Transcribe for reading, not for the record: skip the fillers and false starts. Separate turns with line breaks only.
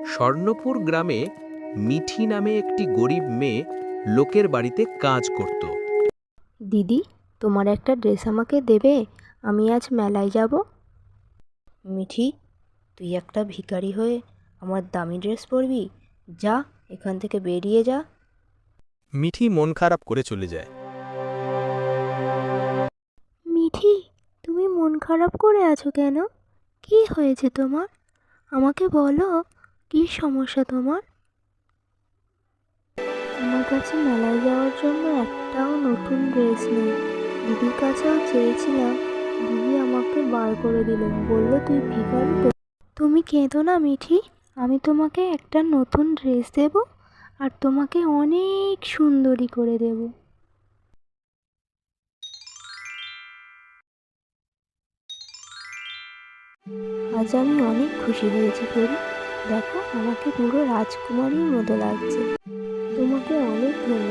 স্বর্ণপুর গ্রামে মিঠি নামে একটি গরিব মেয়ে লোকের বাড়িতে কাজ করত।
দিদি, তোমার একটা ড্রেস আমাকে দেবে? আমি আজ মেলায় যাব। মিঠি, তুই একটা ভিখারি হয়ে আমার দামি ড্রেস পরবি? যা, এখান থেকে বেরিয়ে যা।
মিঠি মন খারাপ করে চলে যায়।
মিঠি, তুমি মন খারাপ করে আছো কেন? কি হয়েছে তোমার? আমাকে বলো, কি সমস্যা তোমার? আমার কাছে মেলায় যাওয়ার জন্য একটাও নতুন ড্রেস নেই। দিদির কাছেও চেয়েছিলাম, দিদি আমাকে বার করে দিল, বললো তুই ভিখারি তো। তুমি কেঁদো না মিঠি, আমি তোমাকে একটা নতুন ড্রেস দেব আর তোমাকে অনেক সুন্দরী করে দেব। আজ আমি অনেক খুশি হয়েছি পরি। দেখো, আমাকে পুরো রাজকুমারীর মতো লাগছে। তোমাকে অনেক ধন্যবাদ।